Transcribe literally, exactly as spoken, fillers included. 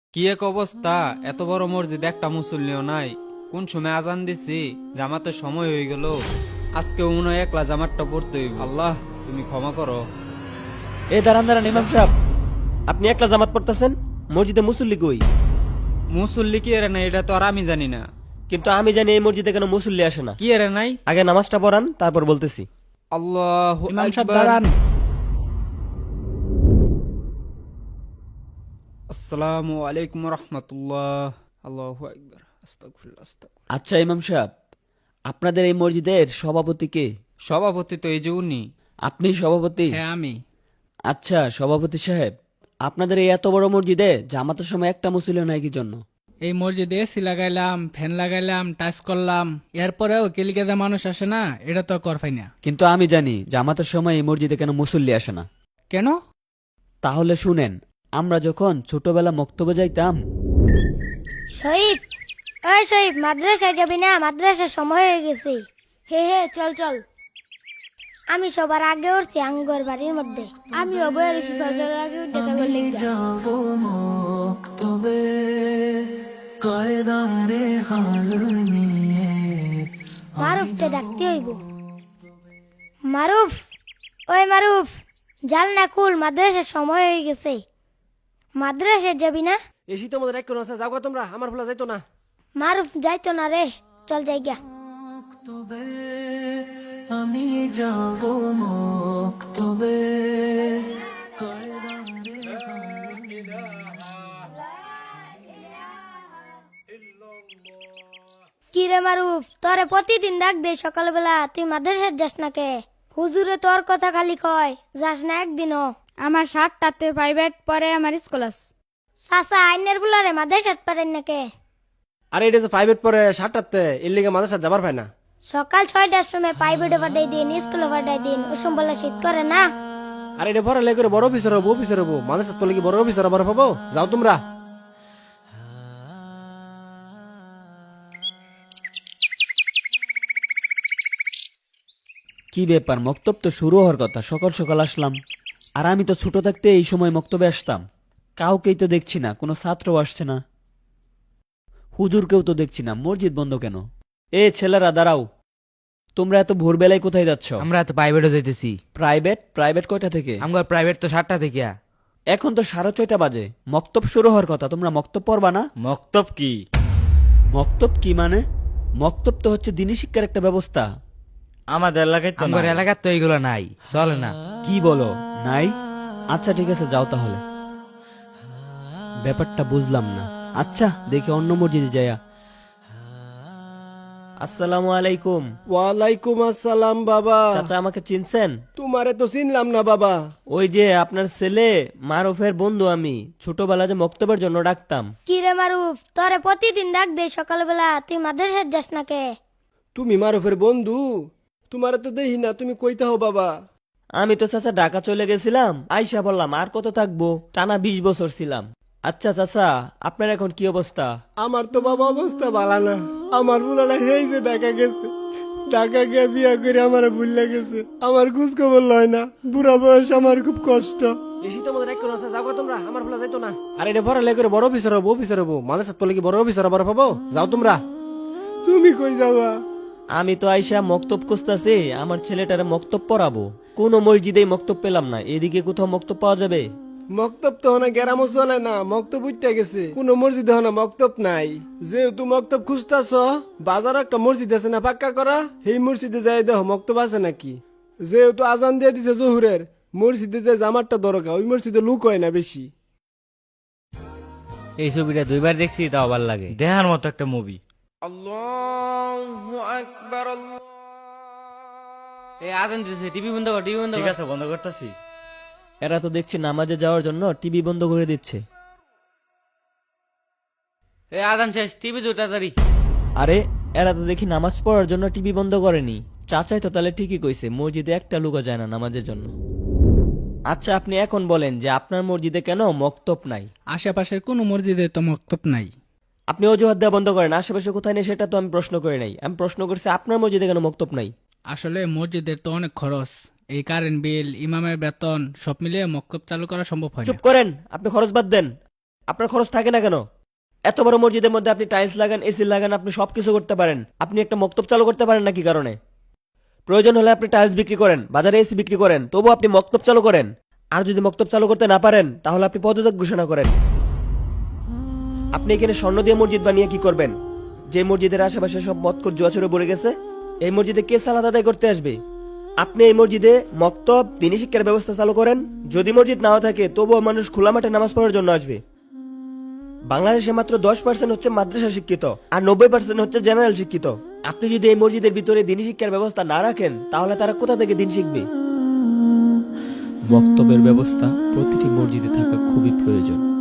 কি এক অবস্থা! এত বড় মসজিদ, একটা মুসল্লিও নাই। কোন সময় আজান দিছি, জামাতের সময় হয়ে গেল। আজকে মনে হয় একলা জামাতটা পড়তে হইব। আল্লাহ, তুমি ক্ষমা করো। এ দাঁড়ান দাঁড়ান ইমাম সাহেব, আপনি একলা জামাত পড়তেছেন, মসজিদে মুসল্লি কই? মুসল্লি কি এরে নাই এটা তো আর আমি জানি না। কিন্তু আমি জানি এই মসজিদে কেন মুসল্লি আসে না। কি এরে নাই? আগে নামাজটা পড়ান, তারপর বলতেছি। আল্লাহু ইমাম সাহেব আকবার। দাঁড়ান। আসসালামু আলাইকুম রহমতুল্লাহ। আল্লাহু আকবার। আস্তাগফিরুল্লাহ, আস্তাগফিরুল্লাহ। আচ্ছা ইমাম সাহেব, আপনাদের এই মসজিদের সভাপতি কে? সভাপতি তো এই যে উনি। আপনি সভাপতি? হ্যাঁ আমি। আচ্ছা সভাপতি সাহেব, আপনাদের এই এত বড় মসজিদে জামাতের সময় একটা মুসল্লি নাই কি জন্য? এই মসজিদে এসি লাগাইলাম, ফ্যান লাগাইলাম, টাচ করলাম, এরপরেও কেলিকাদা মানুষ আসে না, এটা তো করফাই না। কিন্তু আমি জানি জামাতের সময় এই মসজিদে কেন মুসল্লি আসে না। কেন? তাহলে শুনেন, আমরা যখন ছোটবেলা মক্তবে যাইতাম। শহীদ, ওই শহীদ, মাদ্রাসায় যাবি না? মাদ্রাসার সময় হয়ে গেছে। হে হে, চল চল। আমি সবার আগে উঠছি আঙ্গর বাড়ির মধ্যে। আমি অবয়ের ফজর আগে উঠে থাকবো লেগে। মারুফকে ডাকতে হইব। মারুফ, ওই মারুফ, জাল না খুল, মাদ্রাসার সময় হয়ে গেছে। মাদ্রাসায় যাবি না? এসি তো আমাদের এক কোনো আছে, যাও গো তোমরা, আমার ভোলা যাইতো না। মারুফ যাইতো না রে, চল যাই গা। আমি যাব মক্তবে। কি রে মারুফ, তোরে প্রতিদিন ডাক দে সকালবেলা, তুই মাদ্রাসার যাস না কে? হুজুরে তোর কথা খালি কয়, যাস না একদিনও। আমার সাতটাতে প্রাইভেট পরে আমার স্কুল আছে। সাসা আইনের বুলারে মাদ্রাসাত পারেন না কে? আরে এটা যে প্রাইভেট পরে সাতটাতে, এর লিগে মাঝে সাথে যাবার পায় না। সকাল ছয়টার সময় প্রাইভেটে পাঠাই দিন, স্কুলে পাঠাই দিন, ওসম বলা শীত করে না। আরে এটা পরে লেগে বড় অফিসার হবো, অফিসার হবো, মাঝে সাথে পড়লে কি বড় অফিসার হবার পাবো? যাও তোমরা। কি ব্যাপার, মক্তব তো শুরু হওয়ার কথা, সকাল সকাল আসলাম। আর আমি তো ছোট থাকতে এই সময় মক্তবে আসতাম। কাউকেই তো দেখছি না, কোনো ছাত্রও আসছে না, হুজুরকেও তো দেখছি না। মসজিদ বন্ধ কেন? এ ছেলেরা দাঁড়াও, তোমরা এত ভোরবেলায় কোথায় যাচ্ছ? আমরা তো প্রাইভেটও যাইতেছি। প্রাইভেট? প্রাইভেট কয়টা থেকে? আমার প্রাইভেট তো সাতটা থেকে। এখন তো সাড়ে ছয়টা বাজে, মক্তব শুরু হওয়ার কথা, তোমরা মক্তব পড়বা না? মক্তব কি? মক্তব কি মানে? মক্তব তো হচ্ছে দিনী শিক্ষার একটা ব্যবস্থা। আমাদের এলাকায় তো আমার নাই। এলাকার তো এইগুলো নাই, চলে না। কি বলো, নাই? আচ্ছা ঠিক আছে, যাও তাহলে। ব্যাপারটা বুঝলাম না। আচ্ছা দেখি অন্য মসজিদে যাইয়া। আসসালামু আলাইকুম। ওয়ালাইকুম আসসালাম বাবা। চাচা আমাকে চিনছেন? তোমারে তো চিনলাম না বাবা। ওই যে আপনার ছেলে মারুফের বন্ধু, আমি ছোটবেলা যে মক্তবের জন্য ডাকতাম। কি রে মারুফ, তোরে প্রতিদিন ডাক দে সকালবেলা, তুই মাদ্রাসাত যাস না কে? তুমি মারুফের বন্ধু? তোমারে তো দেখি না, তুমি কইতে হো বাবা। আমি তো চাচা ঢাকা চলে গেছিলাম, আইসা বললাম আর কত থাকবো, টানা বিশ বছর ছিলাম। আচ্ছা চাচা, আপনার এখন কি অবস্থা? আমার তো বাবা অবস্থা ভালো না। আমার বুলাটা এই যে ঢাকা গেছে, ঢাকা গিয়ে বিয়া করে আমার ভুললে গেছে। আমার খোঁজ খবর লয় না, বুড়া বয়স, আমার খুব কষ্ট। এসি তো আমাদের এক কোনো আছে, যাও গো তোমরা, আমার ভোলা যাইতো না। আর এটা পরে লেগে বড় অফিসার হবো, অফিসার হবো, মাঝে সাথে পড়লে কি বড় অফিসার হবার পাবো? যাও তোমরা। তুমি কই যাবা? আমি তো আইসা মক্তব খুঁজতাছি, আমার ছেলেটারে মক্তব পড়াবো। কোন মসজিদেই মক্তব পেলাম না, এদিকে কোথাও মক্তব পাওয়া যাবে? মক্তব তো হনা গেরামও চলে না, মক্তব উঠতে গেছে। কোন মসজিদে হনা মক্তব নাই। যেহেতু মক্তব খুঁজতাছ, বাজার একটা মসজিদ আছে না পাক্কা করা, সেই মসজিদে যাই দেখো মক্তব আছে নাকি। যেহেতু আজান দিয়ে দিছে জহুরের, মসজিদে যে জামারটা দরকার, ওই মসজিদে লুক হয় না বেশি। এই ছবিটা দুইবার দেখছি, তাও ভালো লাগে। দেখার মতো একটা মুভি। এই আজান দিতেছে, টিভি বন্ধ কর, টিভি বন্ধ ঠিক কর। আছে, বন্ধ করতেছি। এরা তো দেখছি নামাজে যাওয়ার জন্য টিভি বন্ধ করে দিচ্ছে। এই আজান শেষ, টিভি জোর তাড়াতাড়ি। আরে এরা তো দেখি নামাজ পড়ার জন্য টিভি বন্ধ করেনি। চাচাই তো তাহলে ঠিকই কইছে, মসজিদে একটা লুকা যায় না নামাজের জন্য। আচ্ছা আপনি এখন বলেন যে আপনার মসজিদে কেন মক্তব নাই? আশেপাশের কোনো মসজিদে তো মক্তব নাই। আপনি অজুহাত দেওয়া বন্ধ করেন, আশেপাশে কোথায় নেই সেটা তো আমি প্রশ্ন করে নাই। আমি প্রশ্ন করছি আপনার মসজিদে কেন মক্তব নাই। আসলে মসজিদের তো অনেক খরচ, এই কারেন্ট বিল, ইমামের বেতন সব মিলিয়ে মক্তব চালু করা সম্ভব হয় না। চুপ করেন, আপনি খরচ বাদ দেন। আপনার খরচ থাকে না কেন? এত বড় মসজিদের মধ্যে আপনি টাইলস লাগান, এসি লাগান, আপনি সবকিছু করতে পারেন। আপনি একটা মক্তব চালু করতে পারেন না কি কারণে? প্রয়োজন হলে আপনি টাইলস বিক্রি করেন, বাজারে এসি বিক্রি করেন, তবু আপনি মক্তব চালু করেন। আর যদি মক্তব চালু করতে না পারেন তাহলে আপনি পদত্যাগ ঘোষণা করেন। আপনি এখানে স্বর্ণ দিয়ে মসজিদ বানিয়ে কি করবেন? যে মসজিদের আশেপাশে সব মদখোর জুয়াচুরে ভরে গেছে, এই মসজিদে কে সালাত আদায় করতে আসবে? আপনি এই মসজিদে মক্তব, দ্বীনি শিক্ষার ব্যবস্থা চালু করেন। যদি মসজিদ নাও থাকে তবুও মানুষ খোলা মাঠে নামাজ পড়ার জন্য আসবে। বাংলাদেশে মাত্র দশ পার্সেন্ট হচ্ছে মাদ্রাসা শিক্ষিত, আর নব্বই পার্সেন্ট হচ্ছে জেনারেল শিক্ষিত। আপনি যদি এই মসজিদের ভিতরে দ্বীনি শিক্ষার ব্যবস্থা না রাখেন তাহলে তারা কোথা থেকে দিন শিখবে? বক্তব্যের ব্যবস্থা প্রতিটি মসজিদে থাকা খুবই প্রয়োজন।